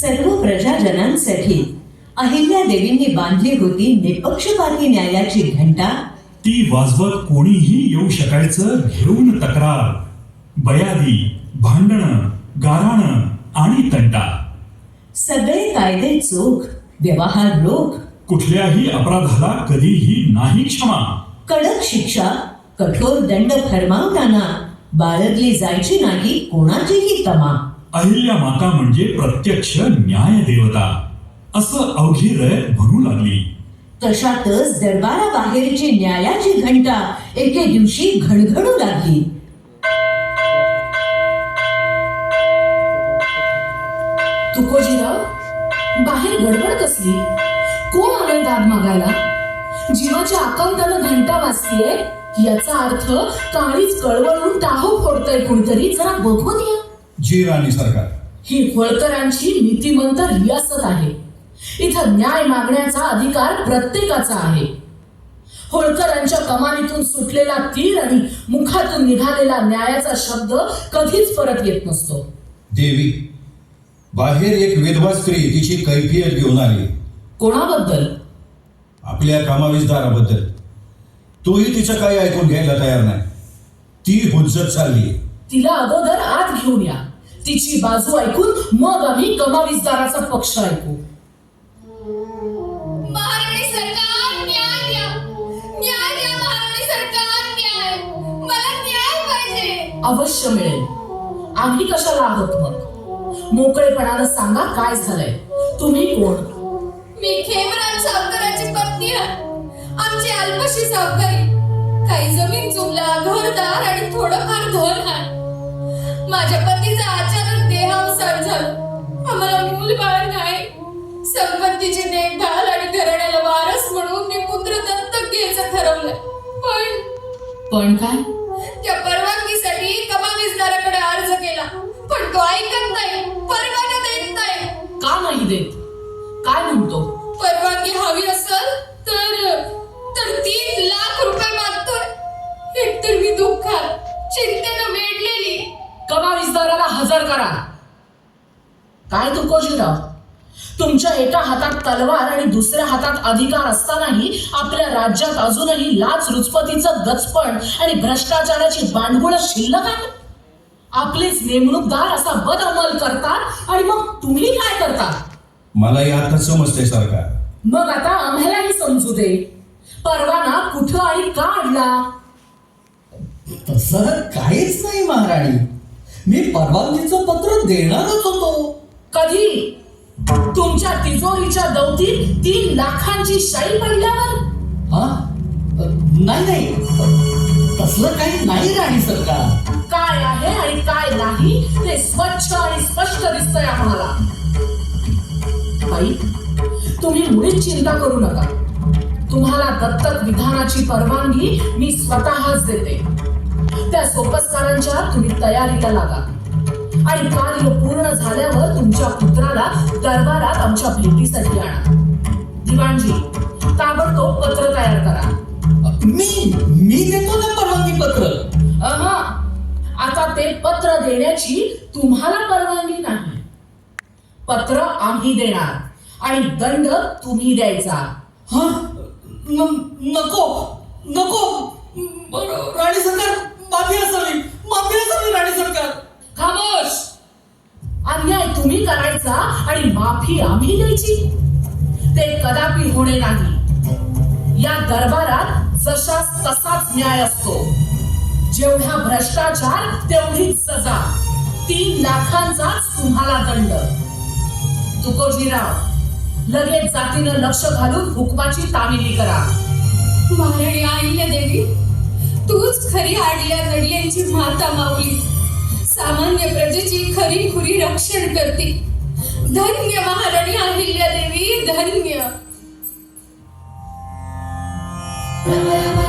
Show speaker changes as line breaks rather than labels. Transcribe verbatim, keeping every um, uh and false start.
सर्व प्रजाजनांसाठी अहिल्या देवींनी बांधली होती निपक्षपाती न्यायाची घंटा.
ती वाजवत कोणीही येऊ शकायचं घेऊन तक्रार, बयादी, भांडणं, गाऱ्हाणं आणि तंटा.
सगळे कायदे चोख, व्यवहार रोख,
कुठल्याही अपराधाला कधीही नाही क्षमा.
कडक शिक्षा, कठोर दंड फरमावताना बाळगली जायची नाही कोणाचीही तमा.
अहिल्या माता म्हणजे प्रत्यक्ष न्याय देवता असं अवघी रयत म्हणू लागली.
तशातच दरबाराबाहेरची न्यायाची घंटा एके दिवशी घणघणू लागली.
तुकोजीराव, बाहेर गडबड कसली? कोण आलंय दाद मागायला? जीवाच्या आकांतानं घंटा वाजतीये याचा अर्थ काळीच कळवळून टाहो फोडतय कुणीतरी. जरा बघून या.
जी राणी सरकार,
ही होळकरांची नीतिमंत रियासत आहे. इथं न्याय मागण्याचा अधिकार प्रत्येकाचा आहे. होळकरांच्या कमानीतून सुटलेला तीर आणि मुखातून निघालेला न्यायाचा शब्द कधीच परत येत नसतो.
देवी, बाहेर एक विधवा स्त्री तिची कैफियत घेऊन आली.
कोणाबद्दल?
आपल्या कामाविजदाराबद्दल. तोही तिचं काही ऐकून घ्यायला तयार नाही. ती हुज्जत चालली.
तिला अगोदर आत घेऊन या. तिची बाजू ऐकून मग आम्ही कमाविजदाराचा पक्ष ऐकू.
महाराणी सरकार, न्याय द्या, न्याय द्या महाराणी सरकार, न्याय, मला न्याय पाहिजे.
अवश्य मिळेल. आम्ही कशाला आहोत मग? मोकळेपणानं सांगा काय झालंय. तुम्ही कोण?
मी खेमराज सावकाराची पत्नी आहे. आमची अल्पशी सावकारी. काही जमीन जुमला, घरदार आणि थोडंफार धन आहे. माझ्या पतीचा अचानक देहावसान झाला. आम्हाला मूल बाळ नाही. संपत्तीची देखभाल आणि घराण्याला वारस म्हणून मी पुत्र दत्तक घ्यायचं ठरवलंय. पण
पण काय?
त्या परवानगीसाठी कमाविजदाराकडे अर्ज केला, पण तो ऐकत नाही, परवाना देत नाही.
का नाही देत? काय म्हणतो?
परवानगी हवी असेल तर तर तीन लाख रुपये मागतोय. एकतर मी दुःखात, चिंतेनं वेढलेली.
कमाविजदाराला हजर करा. काय तुकोजीराव, तुमच्या एका हातात तलवार आणि दुसऱ्या हातात अधिकार असतानाही आपल्या राज्यात अजूनही लाच रुचपतीचं गचपण आणि भ्रष्टाचाराची बांडगुळ शिल्लक आहे. आपलेच नेमणूकदार असा बदअमल करतात आणि मग तुम्ही काय करता?
मलाही आता समजते सरकार.
मग आता आम्हालाही समजू दे. परवाना कुठं आणि का आणला?
तसं काहीच नाही महाराणी. मी परवानगीचं पत्र देणारच होतो.
कधी? तुमच्या तिजोरीच्या दौतीत तीन लाखांची शाई पडल्यावर?
हा? नाही नाही, तसलं काही नाही राणी सरकार.
काय आहे आणि काय नाही ते स्वच्छ आणि स्पष्ट दिसतंय आम्हाला. बाई, तुम्ही मुळीच चिंता करू नका. तुम्हाला दत्तक विधानाची परवानगी मी स्वतःच देते. त्या सोपस्कारांच्या तुम्ही तयारीला लागा आणि कार्य पूर्ण झाल्यावर तुमच्या पुत्राला दरबारात आमच्या भेटीसाठी आणा. दिवाणजी, ताबडतोब पत्र तयार करा.
मी मी देतो ना परवानगी पत्र.
अहा, आता ते पत्र देण्याची तुम्हाला परवानगी नाही. पत्र आम्ही देणार आणि दंड तुम्ही द्यायचा.
हा? न- नको नको राणी सरकार, माफी असावी, माफी असावी राणी सरकार.
खामोश. अन्याय तुम्ही करायचा आणि माफी आम्ही द्यायची? ते कदापि होणे नाही. या दरबारात जशास तसाच न्याय असतो. जेवढा भ्रष्टाचार तेवढीच सजा. तीन लाखांचाच तुम्हाला दंड. तुकोजीराव, लगेच जातीनं लक्ष घालून हुकमाची तामिली करा.
महाराणी अहिल्या देवी, तूच खरी आडल्या नडल्यांची माता माऊली. सामान्य प्रजेची खरी खुरी रक्षण करते. धन्य महाराणी अहिल्या देवी, धन्य.